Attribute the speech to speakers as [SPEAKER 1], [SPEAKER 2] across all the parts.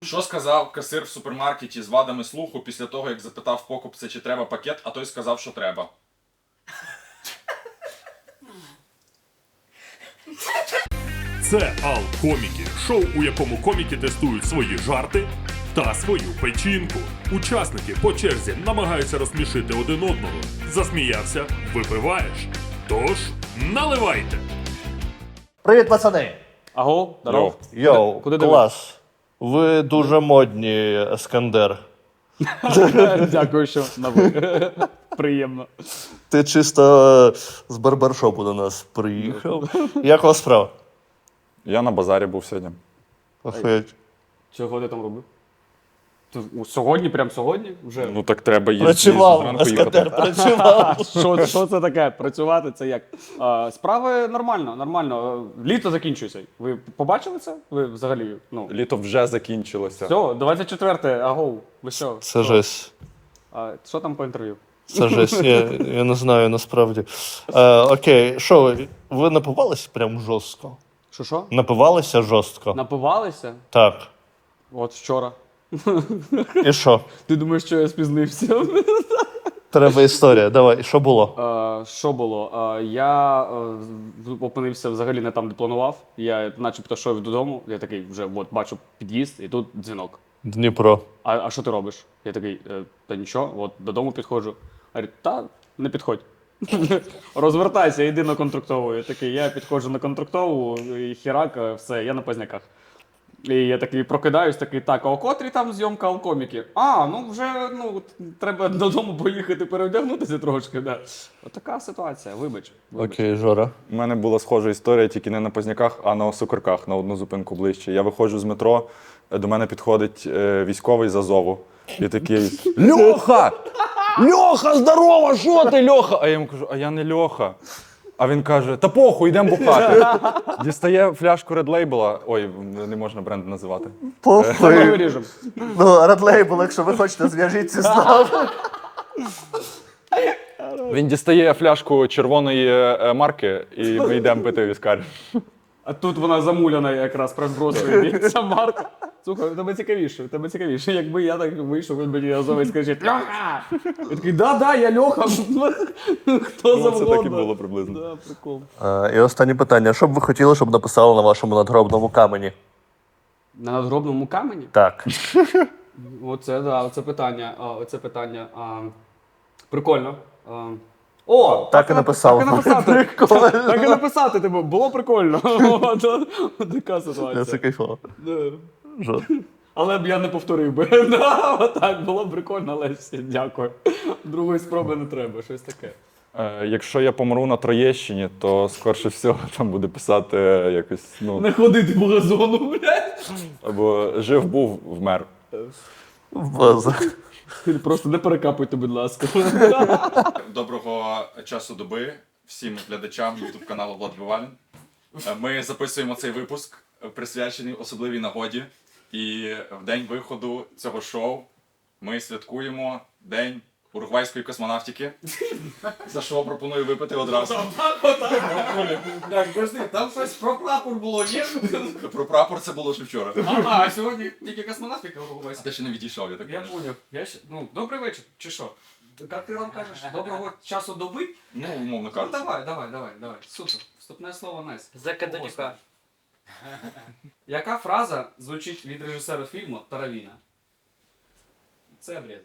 [SPEAKER 1] Що сказав касир в супермаркеті з вадами слуху після того, як запитав покупця, чи треба пакет, а той сказав, що треба?
[SPEAKER 2] Це Ал-Коміки, шоу, у якому коміки тестують свої жарти та свою печінку. Учасники по черзі намагаються розсмішити один одного. Засміявся – випиваєш. Тож, наливайте!
[SPEAKER 3] Привіт, пацани!
[SPEAKER 4] Аго, здоров.
[SPEAKER 3] Йоу,
[SPEAKER 4] Куди
[SPEAKER 3] клас. Ви дуже модні, Ескандер.
[SPEAKER 4] Дякую, що на ви. Приємно.
[SPEAKER 3] Ти чисто з барбершопу до нас приїхав. Як у вас справа?
[SPEAKER 5] Я на базарі був сьогодні.
[SPEAKER 3] Охуєть.
[SPEAKER 4] Чого ти там робив? Сьогодні, прям сьогодні? Вже?
[SPEAKER 5] Ну так треба їздити
[SPEAKER 3] Працював,
[SPEAKER 5] зранку
[SPEAKER 3] Ескандер,
[SPEAKER 5] їхати.
[SPEAKER 3] працював.
[SPEAKER 4] Що це таке? Працювати це як? Справи нормально. Літо закінчується. Ви побачили це? Ви взагалі? Ну.
[SPEAKER 5] Літо вже закінчилося.
[SPEAKER 4] Все, 24-те, агоу. Ви що?
[SPEAKER 3] Це жесть.
[SPEAKER 4] Що там по інтерв'ю?
[SPEAKER 3] Це жесть, я не знаю насправді. Окей, що, ви напивалися прям жорстко?
[SPEAKER 4] Що?
[SPEAKER 3] Напивалися жорстко?
[SPEAKER 4] Напивалися?
[SPEAKER 3] Так.
[SPEAKER 4] От вчора.
[SPEAKER 3] І що?
[SPEAKER 4] Ти думаєш, що я спізнився?
[SPEAKER 3] Треба історія. Давай, що було?
[SPEAKER 4] Що було? Я опинився взагалі не там, де планував. Я начебто йшов додому, я такий вже от, бачу під'їзд, і тут дзвінок.
[SPEAKER 3] Дніпро.
[SPEAKER 4] А що ти робиш? Я такий, та нічого, от додому підходжу. Говорить, та не підходь. Розвертайся, йди на контрактову. Я такий, я підходжу на контрактову, і хірак, все, я на Позняках. І я такий прокидаюсь, такий, так, а о котрій там зйомка Ал-Коміки? Ну вже, треба додому поїхати переодягнутися трошки, да. Отака ситуація, вибач.
[SPEAKER 3] Окей, Жора.
[SPEAKER 5] У мене була схожа історія, тільки не на Позняках, а на Осокорках, на одну зупинку ближче. Я виходжу з метро, до мене підходить військовий з Азову. І такий: Льоха! Льоха, здорово! Що ти, Льоха? А я йому кажу, а я не Льоха. А він каже, та похуй, йдемо бухати. Дістає фляжку Red Label, ой, не можна бренд називати.
[SPEAKER 4] Ми
[SPEAKER 3] Похуй.
[SPEAKER 4] виріжемо.
[SPEAKER 3] Ну, Red Label, якщо ви хочете, зв'яжіться з нами.
[SPEAKER 5] Він дістає фляжку червоної марки, і ми йдемо пити віскар.
[SPEAKER 4] А тут вона замуляна якраз прозбросує ця марка. Слухай, у тебе цікавіше. Якби я так вийшов, він мені Азовець скаже, Льоха! Я такий, да, я Льоха. Хто завгодно.
[SPEAKER 5] Це так і було приблизно.
[SPEAKER 4] Да, прикол.
[SPEAKER 3] І останнє питання. Що б ви хотіли, щоб написали на вашому надгробному камені?
[SPEAKER 4] На надгробному камені?
[SPEAKER 3] Так.
[SPEAKER 4] Оце питання. Прикольно.
[SPEAKER 3] Так і написав.
[SPEAKER 4] Так і написати.
[SPEAKER 3] Прикольно.
[SPEAKER 4] Так і написати, типу, було прикольно. Така
[SPEAKER 3] Це
[SPEAKER 4] ситуація.
[SPEAKER 3] кайфово.
[SPEAKER 4] Да.
[SPEAKER 3] Жор.
[SPEAKER 4] Але б я не повторив би. Отак, було б прикольно, але всі, дякую. Другої спроби не треба, щось таке.
[SPEAKER 5] Якщо я помру на Троєщині, то скорше всього там буде писати якось,
[SPEAKER 4] Не ходити по газону, блядь.
[SPEAKER 5] або жив був, вмер.
[SPEAKER 3] База.
[SPEAKER 4] Просто не перекапуйте, будь ласка.
[SPEAKER 1] Доброго часу доби всім глядачам YouTube каналу Влад Бивалін. Ми записуємо цей випуск, присвячений особливій нагоді. І в день виходу цього шоу ми святкуємо День уругвайської космонавтики. За що пропоную випити одразу.
[SPEAKER 6] Так, подожди, там щось про прапор було, є?
[SPEAKER 1] Про прапор це було ще вчора.
[SPEAKER 6] А сьогодні тільки космонавтика уругвайська.
[SPEAKER 1] Ти ще не відійшов, я так
[SPEAKER 6] Я
[SPEAKER 1] кажу.
[SPEAKER 6] поняв. Добрий вечір, чи що? Як ти нам кажеш, доброго часу доби?
[SPEAKER 1] Ну, умовно
[SPEAKER 6] Ну
[SPEAKER 1] кажучи.
[SPEAKER 6] давай. Супер. Вступне слово Найс.
[SPEAKER 7] Закаденюка.
[SPEAKER 6] Яка фраза звучить від режисера фільму Таравіна? Це обрізати.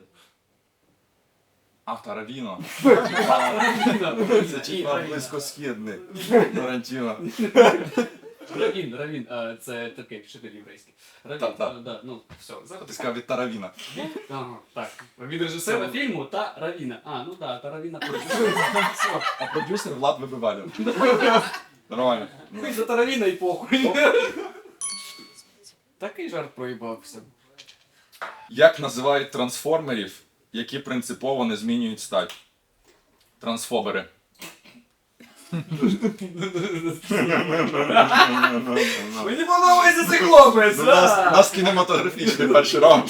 [SPEAKER 1] Таравіно.
[SPEAKER 6] Таравіна.
[SPEAKER 1] Це типа близькосхідний. Тарантіно.
[SPEAKER 6] Равін, це такий вчитель єврейський. Равін,
[SPEAKER 1] Так.
[SPEAKER 6] да, ну, все.
[SPEAKER 1] Ти сказав від Таравіна.
[SPEAKER 6] Ага, так. Від режисера фільму та Равіна. Таравіна. Все.
[SPEAKER 1] А продюсер Влад Вибивалін. Нормально.
[SPEAKER 6] Ми за Таравіна і похуй. Такий жарт проїбався.
[SPEAKER 1] Як називають трансформерів, які принципово не змінюють стать? Трансфобери.
[SPEAKER 6] Мені подобається цей хлопець!
[SPEAKER 1] У нас кінематографічний перший раунд.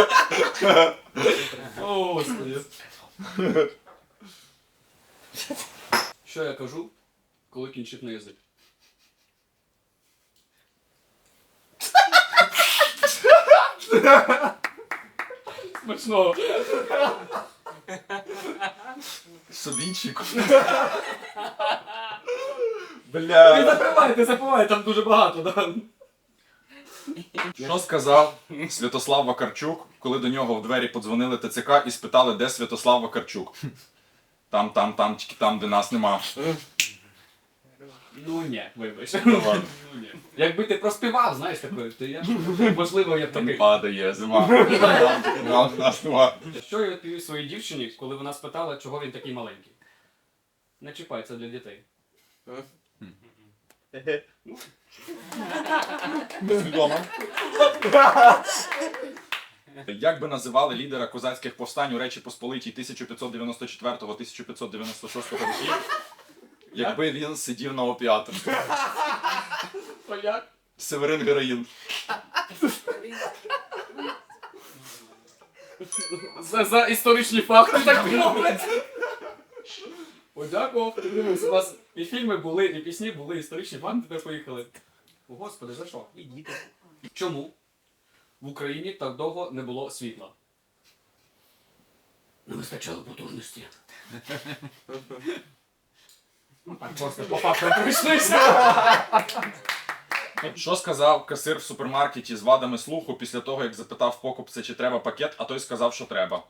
[SPEAKER 6] О, Господи. Що я кажу, коли кінчить на язик? Смачного.
[SPEAKER 1] Собійчик.
[SPEAKER 6] Не
[SPEAKER 1] Бля.
[SPEAKER 6] запивай, там дуже багато, да.
[SPEAKER 1] Що сказав Святослав Вакарчук, коли до нього в двері подзвонили ТЦК і спитали, де Святослав Вакарчук? Там, тільки там, де нас нема.
[SPEAKER 6] Ну ні, вибач.
[SPEAKER 1] Ну ладно.
[SPEAKER 6] Ну, ні. Якби ти проспівав, знаєш, такою, то я можливо я б
[SPEAKER 1] Там
[SPEAKER 6] такий.
[SPEAKER 1] падає зима. Там нас нема.
[SPEAKER 6] Що я відповів своїй дівчині, коли вона спитала, чого він такий маленький? Не чіпай, це для дітей.
[SPEAKER 1] Свідомо. Як би називали лідера козацьких повстань у Речі Посполитій 1594-1596 років, якби він сидів на опіатах?
[SPEAKER 6] То як?
[SPEAKER 1] Северин Героїн.
[SPEAKER 6] За історичні факти так мовлять. Подякував. Дивимось, у вас і фільми були, і пісні були, історичні факти, тепер поїхали. О, Господи, за що? І діти. Чому в Україні так довго не було світла? Не вистачало потужності. Ну так, просто по факту пройшлися.
[SPEAKER 1] Що сказав касир в супермаркеті з вадами слуху після того, як запитав покупця, чи треба пакет, а той сказав, що треба?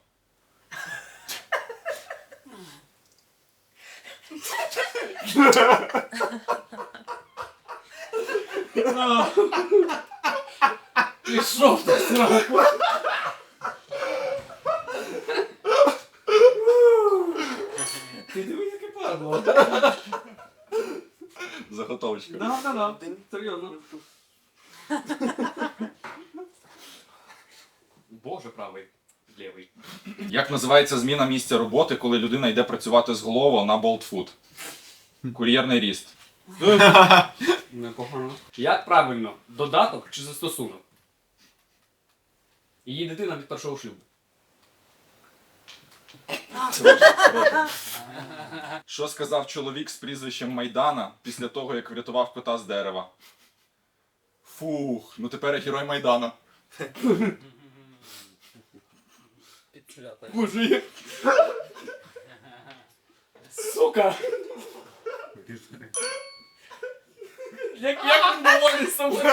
[SPEAKER 6] Пішов ти сраку. Ти диви, яке падло.
[SPEAKER 1] Заготовочка.
[SPEAKER 6] Да. Серйозно. Боже правий, лівий.
[SPEAKER 1] Як називається зміна місця роботи, коли людина йде працювати з голову на болтфуд? Кур'єрний ріст.
[SPEAKER 6] Непогано. Як правильно, додаток чи застосунок? Її дитина від першого шлюбу.
[SPEAKER 1] Що сказав чоловік з прізвищем Майдана після того, як врятував кота з дерева? Фух, ну тепер я герой Майдана.
[SPEAKER 6] Боже, сука! Як він доволі собою?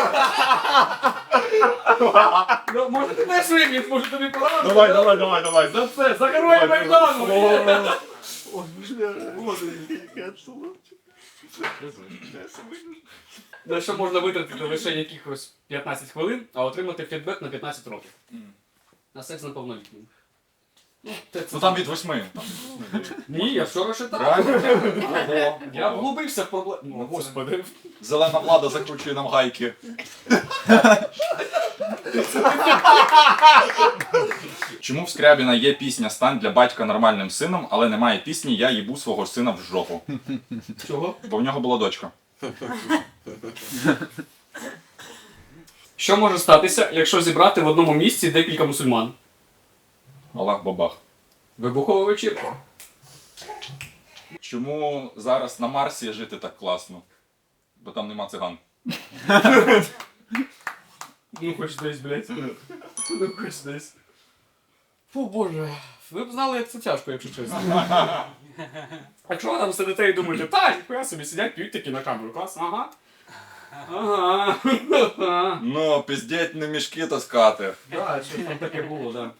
[SPEAKER 6] Ну, може ти теж виміт, може тобі порадити?
[SPEAKER 1] давай.
[SPEAKER 6] За це, за героя Майдану! На що можна витратити лише якихось 15 хвилин, а отримати фідбек на 15 років. На секс неповнолітнім.
[SPEAKER 1] Ну там від 8.
[SPEAKER 6] Ні, я вчора читав.
[SPEAKER 1] Правильно?
[SPEAKER 6] Я вглубився в проблему. Господи.
[SPEAKER 1] Зелена влада закручує нам гайки. Чому в Скрябіна є пісня «Стань для батька нормальним сином», але немає пісні «Я їбу свого сина в жопу»?
[SPEAKER 6] Чого?
[SPEAKER 1] Бо в нього була дочка.
[SPEAKER 6] Що може статися, якщо зібрати в одному місці декілька мусульман?
[SPEAKER 1] Аллах бабах.
[SPEAKER 6] Вибухова вечірка.
[SPEAKER 1] Чому зараз на Марсі жити так класно? Бо там нема циган.
[SPEAKER 6] Ну хоч десь, блядь. Ну хоч десь. Фу, боже. Ви б знали, як це тяжко, якщо чесно. Якщо ви там сидите і думаєте, та, ніхуя собі сидять, п'ють такі на камеру, клас, ага. Ага.
[SPEAKER 1] Ну, пиздеть не мішки таскати.
[SPEAKER 6] Так, щось там таке було, так.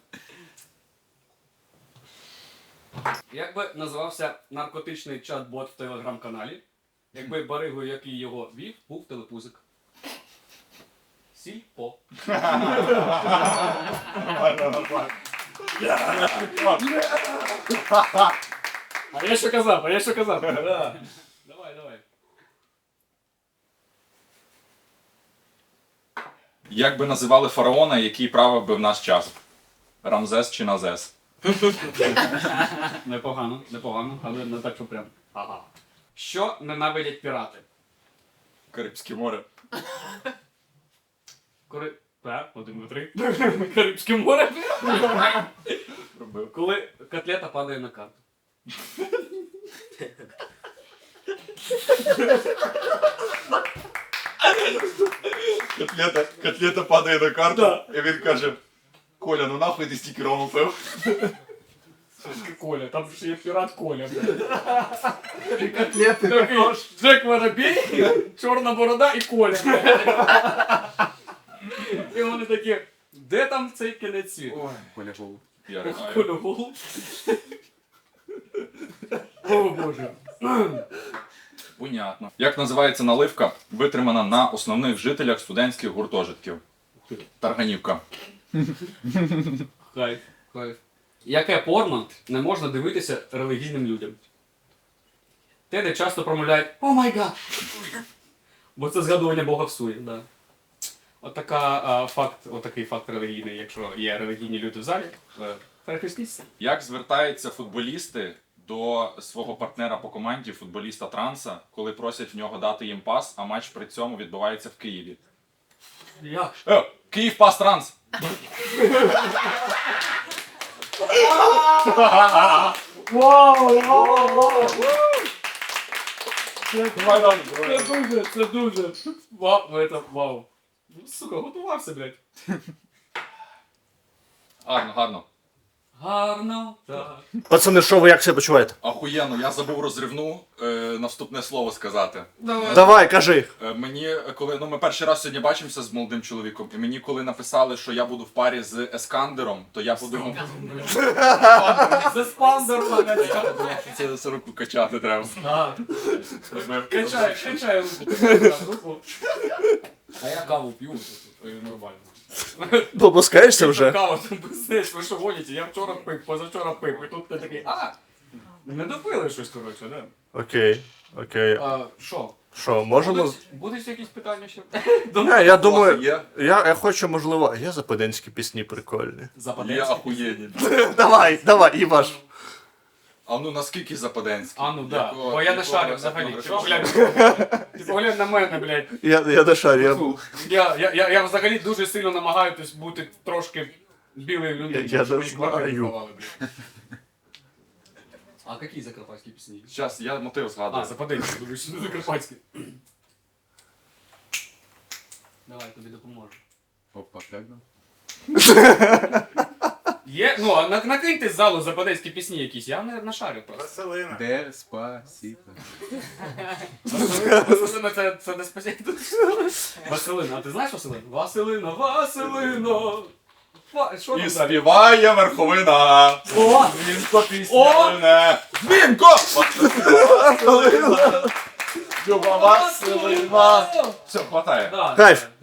[SPEAKER 6] Як би називався наркотичний чат-бот в телеграм-каналі, якби баригою, який його вів, був телепузик? Сільпо. А я що казав, Да. Давай.
[SPEAKER 1] Як би називали фараона, який правив би в наш час? Рамзес чи Назес?
[SPEAKER 6] Непогано, але не так, що прям. Ага. Що ненавидять пірати?
[SPEAKER 1] Карибське море.
[SPEAKER 6] Так, 1, 2, 3. Карибське море.
[SPEAKER 1] Робив.
[SPEAKER 6] Коли котлета падає на карту.
[SPEAKER 1] Котлета падає на карту, і він каже: Коля, ну нахуй ти стільки рому пив.
[SPEAKER 6] Коля, там же є пірат Коля. Котлети. Джек Воробей, чорна борода і Коля. І вони такі, де там цей кінець світу?
[SPEAKER 4] Коля Голуб.
[SPEAKER 1] Я ригаю.
[SPEAKER 6] Коля Голуб. О, Боже.
[SPEAKER 1] Понятно. Як називається наливка, витримана на основних жителях студентських гуртожитків? Тарганівка.
[SPEAKER 6] Хайп. Яке порно не можна дивитися релігійним людям? Те, де часто промовляють «О май гад!» Бо це згадування Бога в суді, да. Отакий факт релігійний, якщо є релігійні люди в залі, перехрестіться.
[SPEAKER 1] Як звертаються футболісти до свого партнера по команді, футболіста Транса, коли просять в нього дати їм пас, а матч при цьому відбувається в Києві?
[SPEAKER 6] Як?
[SPEAKER 1] Київ пас Транс!
[SPEAKER 6] Це дуже. Вау. Сука, готувався, блядь.
[SPEAKER 1] Гарно.
[SPEAKER 6] Гарно, так.
[SPEAKER 3] Пацани, що ви як себе почуваєте?
[SPEAKER 1] Ахуєнно, я забув розривну наступне слово сказати.
[SPEAKER 3] Давай, кажи.
[SPEAKER 1] Мені, коли ми перший раз сьогодні бачимося з молодим чоловіком, і мені коли написали, що я буду в парі з Ескандером, то я подумав,
[SPEAKER 6] За спандер,
[SPEAKER 1] це за руку качати треба.
[SPEAKER 6] Качай руку. А я каву п'ю, нормально.
[SPEAKER 3] Попускаєшся вже?
[SPEAKER 6] Кава, там пиздець, ви що гоніте? Я вчора пив, позавчора пив, і тут ти такий, не допили щось, коротше, да?
[SPEAKER 3] Окей.
[SPEAKER 6] Що?
[SPEAKER 3] Що, можемо...
[SPEAKER 6] Будуть якісь питання ще?
[SPEAKER 3] Я думаю,
[SPEAKER 1] Є?
[SPEAKER 3] я хочу, можливо, є западенські пісні прикольні.
[SPEAKER 1] Є
[SPEAKER 6] Западенські?
[SPEAKER 1] ахуєнні.
[SPEAKER 3] Давай, Іваш.
[SPEAKER 1] А ну наскільки западенські?
[SPEAKER 6] А ну да,
[SPEAKER 1] Якого-
[SPEAKER 6] бо я не
[SPEAKER 1] якого
[SPEAKER 6] шарю взагалі.
[SPEAKER 1] етнографічного?
[SPEAKER 6] Ти поглянь на мене, блядь.
[SPEAKER 3] Я не шарю.
[SPEAKER 6] Я взагалі дуже сильно намагаюсь бути трошки білою людиною.
[SPEAKER 3] Я
[SPEAKER 6] щоб
[SPEAKER 3] не
[SPEAKER 6] мені квартиру
[SPEAKER 3] знаю.
[SPEAKER 6] давали, блядь. А які закарпатські пісні?
[SPEAKER 1] Щас, я мотив згадую.
[SPEAKER 6] Западенські, думаю, що не закарпатські. Давай, тобі допоможу.
[SPEAKER 7] Опа, як нам?
[SPEAKER 6] Є, ну, а накиньте з залу западенські пісні якісь, я не нашарю просто.
[SPEAKER 7] Деспасіто.
[SPEAKER 6] Василина це не спасіння. Василина, а ти знаєш Василину? Василина! Що
[SPEAKER 1] І
[SPEAKER 6] там далі?
[SPEAKER 1] співає верховина.
[SPEAKER 6] О!
[SPEAKER 1] Дзвінко пісня. Дзвінко! Люба Василина. Все, хватає.
[SPEAKER 6] Да,
[SPEAKER 3] Кайф.